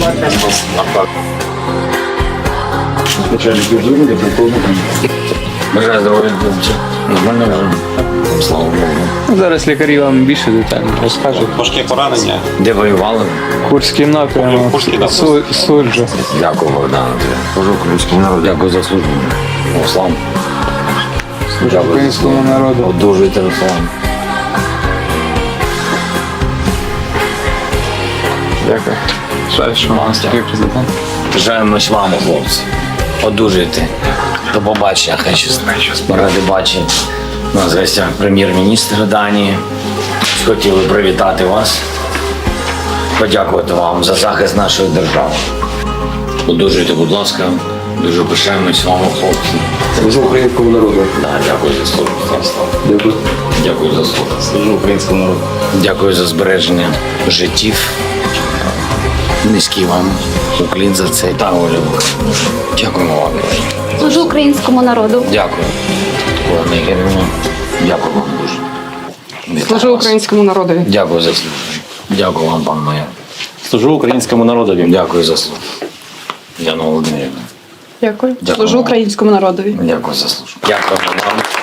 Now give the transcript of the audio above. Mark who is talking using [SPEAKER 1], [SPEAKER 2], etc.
[SPEAKER 1] Бажаю здоров'я, хлопці. Нормально вже. Слава Богу.
[SPEAKER 2] Зараз лікарі вам більше детально розкажуть.
[SPEAKER 3] Важке поранення.
[SPEAKER 1] Де воювали?
[SPEAKER 2] Курський напрямок,
[SPEAKER 3] Курський напрямок.
[SPEAKER 2] Суджа.
[SPEAKER 1] Дякую, Богдан. Служу українському народу. Дякую за службу. Руслан.
[SPEAKER 2] Служу українському народу.
[SPEAKER 1] Одужуйте, Руслан.
[SPEAKER 2] Дякую. Що президент.
[SPEAKER 1] Бажаємось вам, хлопці. Одужуйте. До побачення, хай щастить. Ми раді бачити. У нас в гостях прем'єр-міністр Данії. Хотіли привітати вас. Подякувати вам за захист нашої держави. Одужуйте, будь ласка. Дуже пишаємось вами, хлопці.
[SPEAKER 4] Служу українському народу.
[SPEAKER 1] Да, дякую за службу.
[SPEAKER 4] Дякую.
[SPEAKER 1] Дякую за службу.
[SPEAKER 4] Служу українському народу.
[SPEAKER 1] Дякую за збереження життів. Низький вам уклін за це. Та, Оля. Дякуємо вам.
[SPEAKER 5] Служу українському народу.
[SPEAKER 1] Дякую. Олена Ігорівна. Дякую вам дуже.
[SPEAKER 6] Служу українському народу.
[SPEAKER 1] Дякую за службу. Дякую вам, пан майор.
[SPEAKER 4] Служу українському народові.
[SPEAKER 1] Дякую за службу. Яна Володимирівна.
[SPEAKER 6] Дякую.
[SPEAKER 1] Дякую.
[SPEAKER 6] Служу українському народові.
[SPEAKER 1] Дякую за службу. Дякую вам.